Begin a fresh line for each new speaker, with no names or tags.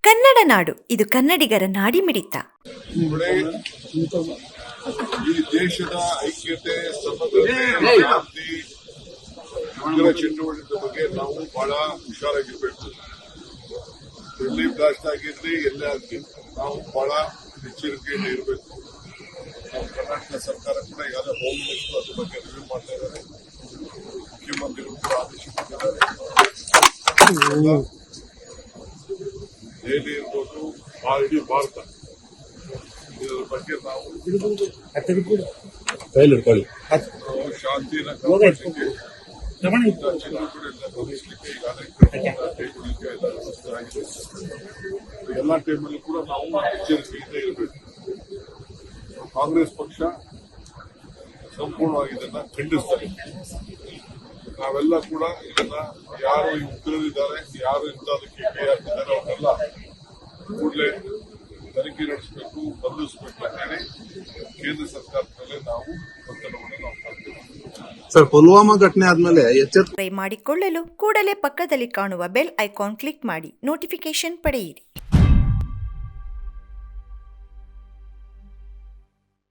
ಕನ್ನಡ ನಾಡು, ಇದು ಕನ್ನಡಿಗರ ನಾಡಿಮಿಡಿತ.
ಈ ದೇಶದ ಐಕ್ಯತೆ, ಸಮಗ್ರತೆ, ಶಾಂತಿ, ಉಗ್ರ ಚಟುವಟಿಕೆ ಬಗ್ಗೆ ನಾವು ಬಹಳ ಹುಷಾರಾಗಿರ್ಬೇಕು. ಎಲ್ಲಿ ಬ್ಲಾಸ್ಟ್ ಆಗಿರ್ಲಿ, ಎಲ್ಲೇ ಆಗಲಿ ನಾವು ಬಹಳ ಎಚ್ಚರಿಕೆಯಿಂದ ಇರಬೇಕು. ನಾವು ಕರ್ನಾಟಕ ಸರ್ಕಾರ ಕೂಡ ಈಗಾಗಲೇ ಹೋಮ್ ಮಿನಿಸ್ಟರ್ ಅದ್ರ ಬಗ್ಗೆ ರಿವ್ಯೂ ಮಾಡ್ತಾ ಇದ್ದಾರೆ. ಮುಖ್ಯಮಂತ್ರಿಗಳು ಕೂಡ ಆದೇಶಿಸಿದ್ದಾರೆ. ದೆಹಲಿ ಇರ್ಬೋದು, ಇಡೀ ಭಾರತ ಇದರ ಬಗ್ಗೆ ನಾವು ಶಾಂತಿನ ಕಾಪಾಡಲಿಕ್ಕೆ ಗಮನಿಸಲಿಕ್ಕೆ ಈಗಾಗಲೇ ಕೈಗೊಳ್ಳಲಿಕ್ಕೆ ಎಲ್ಲ ವ್ಯವಸ್ಥೆ ಆಗಿದೆ. ಎಲ್ಲ ಟೈಮಲ್ಲೂ ಕೂಡ ನಾವು ಎಚ್ಚರಿಕೆಯಿಂದ ಇರಬೇಕು. ಕಾಂಗ್ರೆಸ್ ಪಕ್ಷ ಸಂಪೂರ್ಣವಾಗಿ ಇದನ್ನ ಖಂಡಿಸ್ತಾರೆ. ನಾವೆಲ್ಲ ಕೂಡ ಇದನ್ನ ಯಾರು ಈ ಉಗ್ರರಿದ್ದಾರೆ, ಯಾರು ಇಂಥದಕ್ಕೆ ಕೈ ಹಾಕಿದ್ದಾರೆ ಅವನ್ನೆಲ್ಲ ಕೂಡಲೇ ತನಿಖೆ ನಡೆಸಬೇಕು, ಬಂಧಿಸಬೇಕು ಅಂತ ಹೇಳಿ ಕೇಂದ್ರ ಸರ್ಕಾರದಲ್ಲೇ ನಾವು ಒತ್ತಡವನ್ನು ನಾವು ಮಾಡ್ತೇವೆ.
ಸರ್, ಪುಲ್ವಾಮಾ ಘಟನೆ ಆದ್ಮೇಲೆ
ಮಾಡಿಕೊಳ್ಳಲು ಕೂಡಲೇ ಪಕ್ಕದಲ್ಲಿ ಕಾಣುವ ಬೆಲ್ ಐಕಾನ್ ಕ್ಲಿಕ್ ಮಾಡಿ ನೋಟಿಫಿಕೇಶನ್ ಪಡೆಯಿರಿ.